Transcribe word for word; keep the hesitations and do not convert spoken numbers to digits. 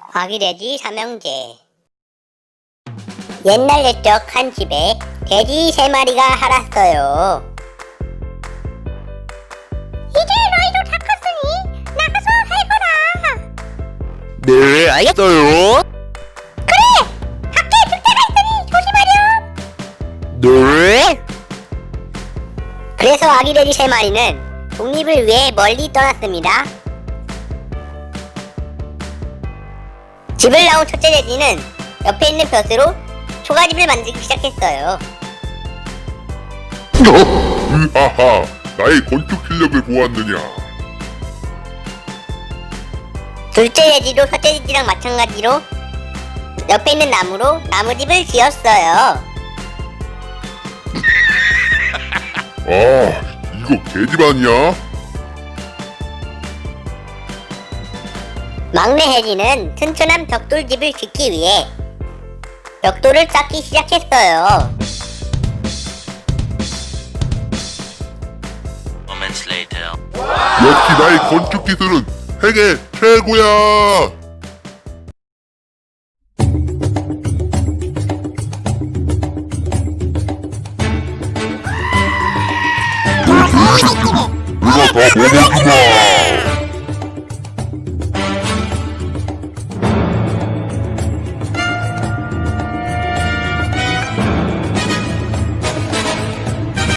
아기돼지 삼형제. 옛날 옛적 한 집에 돼지 세 마리가 살았어요. 이제 너희도 다 컸으니 나가서 살거라. 네, 알겠어요. 그래! 밖에 늑대가 있으니 조심하렴. 네. 그래서 아기 돼지 세 마리는 독립을 위해 멀리 떠났습니다. 집을 나온 첫째 돼지는 옆에 있는 벼스로 초가집을 만들기 시작했어요. 으하하, 나의 건축 실력을 보았느냐? 둘째 돼지도 첫째 돼지랑 마찬가지로 옆에 있는 나무로 나무집을 지었어요. 아, 이거 개집 아니야? 막내 해지는 튼튼한 벽돌집을 짓기 위해 벽돌을 쌓기 시작했어요. Moments later. 역시 나의 건축 기술은 세계 최고야! 이거 다 먹어주마!